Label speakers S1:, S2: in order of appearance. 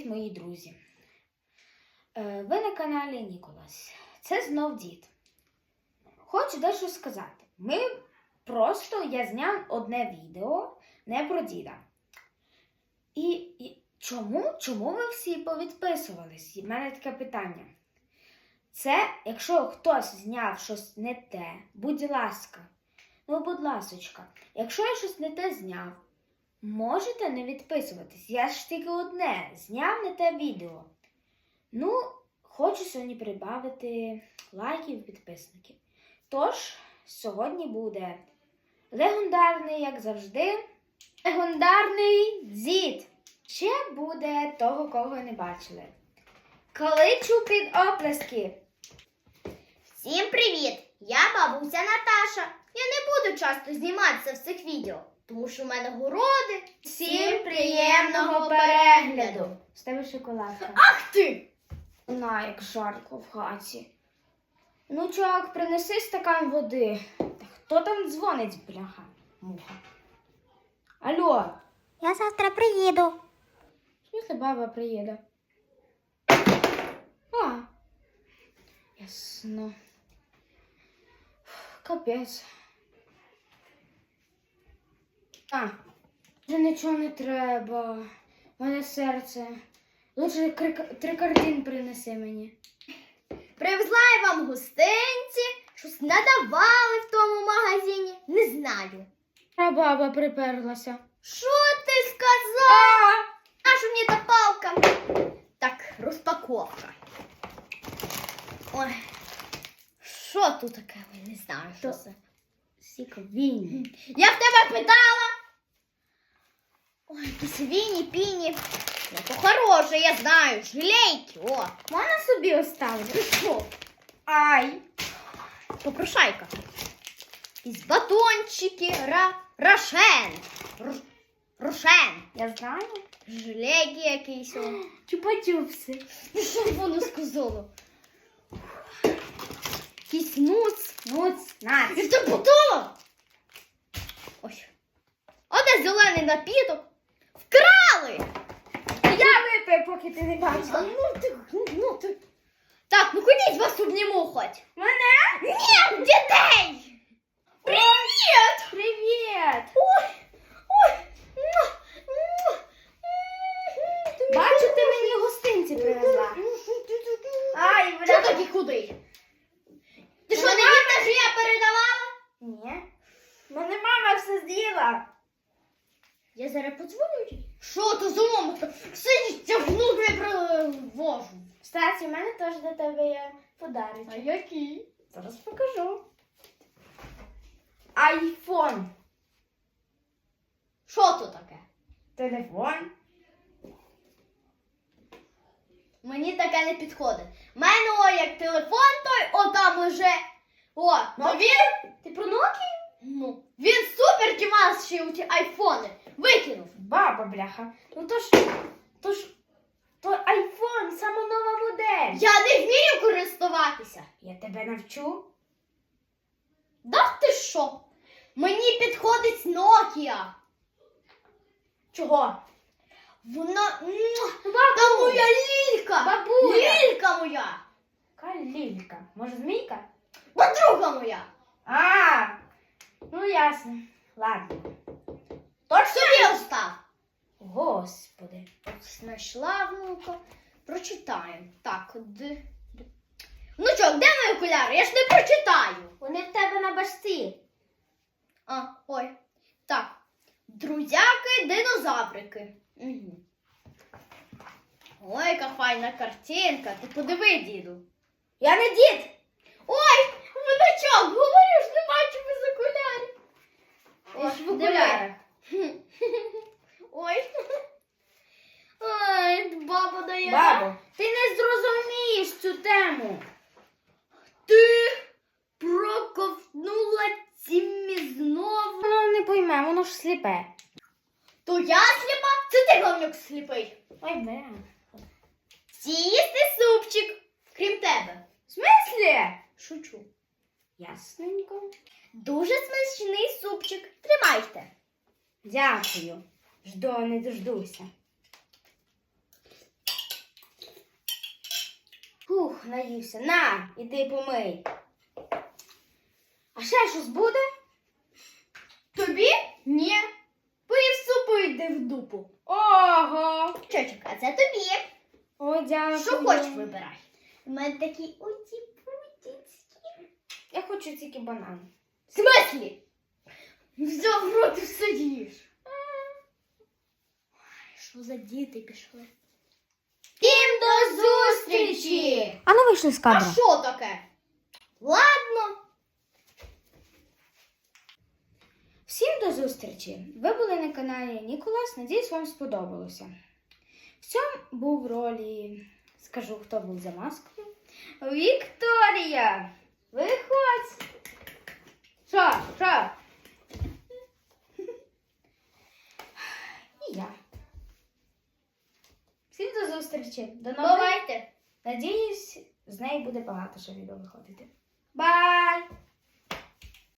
S1: мої друзі! Ви на каналі Ніколас. Це знов дід. Хочу дещо сказати. Я зняв одне відео не про діда. І чому ви всі повідписувались? У мене таке питання. Це, якщо хтось зняв щось не те, будь ласка, якщо я щось не те зняв, можете не відписуватись. Я ж тільки одне, зняв не те відео. Хочу сьогодні прибавити лайків, підписників. Тож, сьогодні буде легендарний, як завжди, легендарний дід. Ще буде того, кого не бачили. Кличу під оплески.
S2: Всім привіт! Я бабуся Наташа. Я не буду часто зніматися в цих відео, тому що в мене городи.
S1: Всім приємного перегляду. З тебе шоколадка.
S2: Ах ти!
S1: На, як жарко в хаті. Чувак, принеси стакан води. Та хто там дзвонить, бляха, муха? Алло.
S2: Я завтра приїду.
S1: Якщо баба приїде? Ясно. Капець. Вже нічого не треба. У мене серце. Лучше 3 картин принеси мені.
S2: Привезла я вам гостинці, щось надавали в тому магазині. Не знаю.
S1: А баба приперлася.
S2: Що ти сказав? Наша мені та палка. Так, розпаковка. Ой, що тут таке? Не знаю, що це.
S1: Сіковінь.
S2: Я в тебе питала. Ой, якісь віні-піні. Ну, то хороше, я знаю. Жилейки, о.
S1: Можна собі оставити?
S2: Що?
S1: Ай.
S2: Попрошайка. Якісь батончики, рошен. Рошен.
S1: Я знаю.
S2: Жилейки якісь.
S1: Чупа-чупси.
S2: Що воно сказало? Якийсь нуц.
S1: Нац.
S2: І це подумав. Ой. Оде зелений напіток. Вкрали!
S1: Я випив, поки ти не бачила.
S2: ти. Так, ходіть, вас обніму хоч.
S1: Мене?
S2: Ні, дітей! Привіт!
S1: Привіт!
S2: Ой!
S1: Бачу, ти мені гостинці привезла. Ай,
S2: Що такі худий? Ти що, не їдеш, що я передавала?
S1: Ні. Мене мама все з'їла.
S2: Я зараз подзвоню. Що то за мамка? Сидіть, тягнув, я привожу.
S1: Кстати, у мене теж до тебе є подарунок.
S2: А який?
S1: Зараз покажу. Айфон.
S2: Що то таке?
S1: Телефон.
S2: Мені таке не підходить. У мене як телефон той, там уже. То він.
S1: Ти про Nokia?
S2: Він супер тімасший у ті айфони. Викинув.
S1: Баба, бляха. То айфон, сама нова модель.
S2: Я не вмію користуватися.
S1: Я тебе навчу.
S2: Да ти що? Мені підходить Nokia.
S1: Чого?
S2: Вона. Та моя лілька.
S1: Бабуля.
S2: Лілька моя.
S1: Яка лілька? Може, змійка?
S2: Подруга моя.
S1: Ясно. Ладно.
S2: Собі остав.
S1: Господи.
S2: Знайшла внука. Прочитаємо. Так, внучок, де мої окуляри? Я ж не прочитаю.
S1: Вони в тебе на башці.
S2: Ой. Так. Друзяки, динозаврики. Угу. Ой, яка файна картинка. Ти подиви, діду.
S1: Я не дід.
S2: Ой, внучок, говорю ж, не бачу без окулярів.
S1: Я ж в окулярах.
S2: Ой. Ой, баба дає.
S1: Бабо, ти не зрозумієш цю тему.
S2: Ти проковтнула цімі знову.
S1: Воно не пойме, воно ж сліпе.
S2: То я сліпа? Це ти, говнюк, сліпий.
S1: Ой, бе.
S2: Всі їсти супчик, крім тебе.
S1: В смислі?
S2: Шучу.
S1: Ясненько.
S2: Дуже смачний супчик. Тримайте.
S1: Дякую. Жду, не дождуся. наївся. На, іди помий. А ще щось буде?
S2: Тобі? Ні. Поїв супу і йди в дупу.
S1: Ого!
S2: Чочок, а це тобі.
S1: Ой, дякую.
S2: Що хочеш, вибирай. У мене такі оті-путінські.
S1: Я хочу тільки банан.
S2: В смислі? Взяв в рот і все їш. Що за діти пішли? Всім до зустрічі!
S1: А ну вийшли з
S2: А що таке? Ладно.
S1: Всім до зустрічі! Ви були на каналі Ніколас. Надіюсь, вам сподобалося. В цьому був в ролі, скажу, хто був за маскою. Вікторія! Виходь! Що? І я. Всім до зустрічі! До нових.
S2: Бувайте.
S1: Надіюсь, з неї буде багато що відео виходити.